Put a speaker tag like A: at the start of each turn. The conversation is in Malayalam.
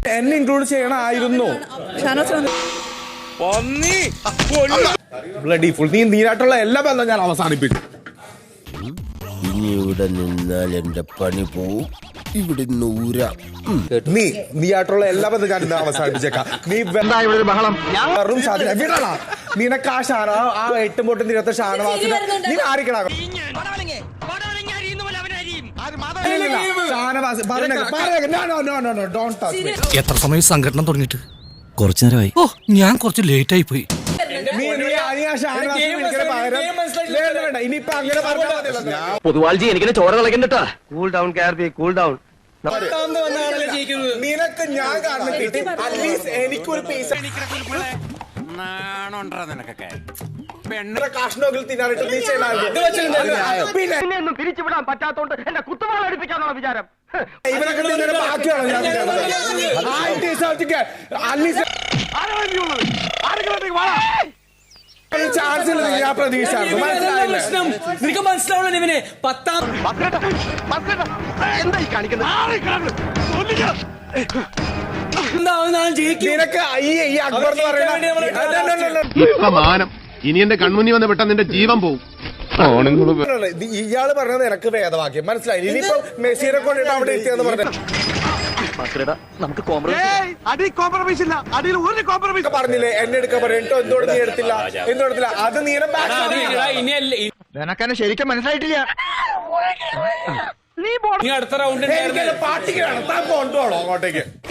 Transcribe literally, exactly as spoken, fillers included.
A: എന്നെ ഇൻക്ലൂഡ് ചെയ്യണമായിരുന്നു. ബ്ലഡി ഫുൾ നീ നീരായിട്ടുള്ള എല്ലാ ബന്ധം ഞാൻ അവസാനിപ്പിച്ചു.
B: ഇനി ഇവിടെ നിന്നാൽ എന്റെ പണി പോവും. ഇവിടെ നൂര
A: നീ നീയായിട്ടുള്ള എല്ലാ ബന്ധം ഞാൻ ഇന്ന് അവസാനിപ്പിച്ചേക്കാം. നീ ബഹളം വിടണ നിനക്ക് ആ ഷാന ആ എട്ടും പൊട്ടും തീരത്തെ ഷാനവാസിന് നീ ആരിക്കണ
C: എത്ര സമയം സംഘടന തുടങ്ങിയിട്ട്?
D: കുറച്ചു നേരമായി.
C: ഓ ഞാൻ കുറച്ച് ലേറ്റ് ആയി പോയി.
D: പൊതുവാൾജി എനിക്കിനെ ചോര കളക്കണ്ടട്ടാ. കൂൾ ഡൗൺ കാർബി, കൂൾ ഡൗൺ.
A: നിനക്ക് ഞാൻ കാരണം കിട്ടി. അറ്റ്ലീസ്റ്റ് എനിക്കൊരു പൈസ കാഷ്ണോക്കിൽ തിന്നാനായിട്ട് നീ
D: പിന്നെ പിരിച്ചുവിടാൻ പറ്റാത്തോണ്ട് എന്റെ കുത്തുവാള അടുപ്പിക്കാന്നുള്ള വിചാരം.
A: ഇവനൊക്കെ ബാക്കിയാണോ ഞാൻ ചാൻസ് ഞാൻ പ്രതീക്ഷ
E: നിനക്ക് മനസ്സിലാവണം ഇവനെ പത്താം
D: എന്തായി കാണിക്കുന്നത്?
A: നിനക്ക് ഈ അക്ബർ എന്ന് പറയുന്ന
F: ഇപ്പൊ മാനം ഇനി എന്റെ കൺമുന്നി വന്ന് പെട്ടെന്ന് നിന്റെ ജീവൻ പോവും.
A: ഇയാള് പറഞ്ഞത് നിനക്ക് വേദവാക്യം മനസ്സിലായി. ഇനിയിപ്പോ മെസ്സിനെ കൊണ്ടിട്ട് അവിടെ എത്തിയെന്ന് പറഞ്ഞു
D: നമുക്ക് കോംപ്രമൈസ് ഇല്ല. അടിയിൽ ഒരു കോംപ്രമൈസ്
A: പറഞ്ഞില്ലേ എന്നെ എടുക്കാൻ പറഞ്ഞിട്ടോ എന്തുകൊണ്ട് നീ എടുത്തില്ല എന്തുകൊടുത്തില്ല അത് നീ
D: നിനക്കെന്നെ ശരിക്കും മനസ്സിലായിട്ടില്ല.
E: അടുത്ത റൗണ്ട്
A: പാർട്ടിക്ക് വേണം താൻ കൊണ്ടുപോകണോ അങ്ങോട്ടേക്ക്.